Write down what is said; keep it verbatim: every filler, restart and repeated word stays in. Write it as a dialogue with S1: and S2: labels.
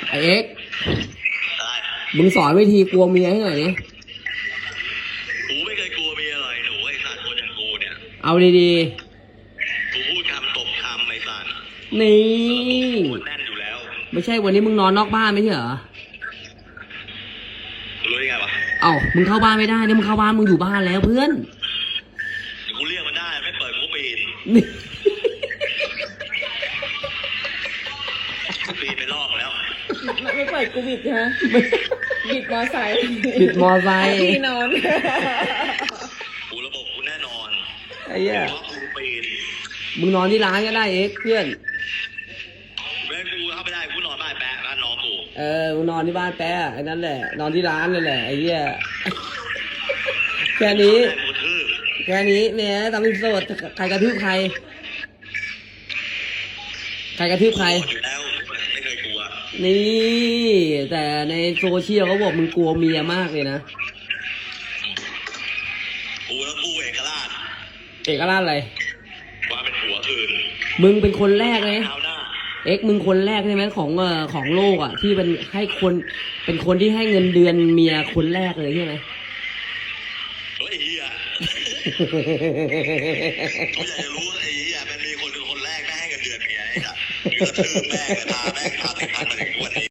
S1: ไอเอ็ก
S2: ได้
S1: มึงสอนวิธีกลัวเมียให้หน่อยนี่
S2: กูไม่เคยกลัวเมียอะไรหนูไอ้สัตว์คนอย่างกูเนี่ย
S1: เอาดี
S2: ๆกูพูดคำตบคำไอ้สัตว์
S1: นี่
S2: พูดแน่นอยู่แล้ว
S1: ไม่ใช่วันนี้มึงนอนนอกบ้านไม่ใช่เหรอ
S2: รู้ได้ไงวะ
S1: เอ้ามึงเข้าบ้านไม่ได้เนี่ยมึงเข้าบ้านมึงอยู่บ้านแล้วเพื่อน
S2: กูเรียกมันได้ไม่เปิดกูปีน
S1: นี่
S2: ปีนไปลอกแล้ว
S3: ไม่เปิดกูบิดฮะบิดมอไซค์
S1: บิดมอไซค์
S3: ที่นอน
S2: กูระบบกูแน่นอน
S1: ไอ้เหี้ย
S2: กูปีน
S1: มึงนอนที่ร้านก็ได้เอ็กเพื่อน
S2: แม่กูเข้าไม่ได้กูนอนบ้านแปะบ้านน้องกู
S1: เออมึงนอนที่บ้านแป๊ะไอ้นั่นแหละนอนที่ร้านนั่นแหละไอ้เหี้ยแค่นี้แค่นี้เนี่ยตามที่โสดใครกระทืบใครใครกระทืบใคร
S2: อยู่แล้วไม่เคยกลัว
S1: นี่แต่ในโซเชียลเขาบอกมึงกลัวเมียมากเลยนะ
S2: กูแล้วกูเอกราช
S1: เอกราชอะไร
S2: ว่าเป็นหัวคืน
S1: มึงเป็นคนแรกเลยเอ็กมึงคนแรกใช่ไหมของเอ่อของโลกอ่ะที่เป็นให้คนเป็นคนที่ให้เงินเดือนเมียคนแรกเลยใช่ไหม
S2: เฮ้ยเฮียกูอยากจะรู้ไอ้เฮียมันมีคนเป็นคนแรกได้ให้เงินเดือนเมียไอ้สัสกระทืบแม่กระทาแม่กระทาแต่งงานมาถึงวันนี้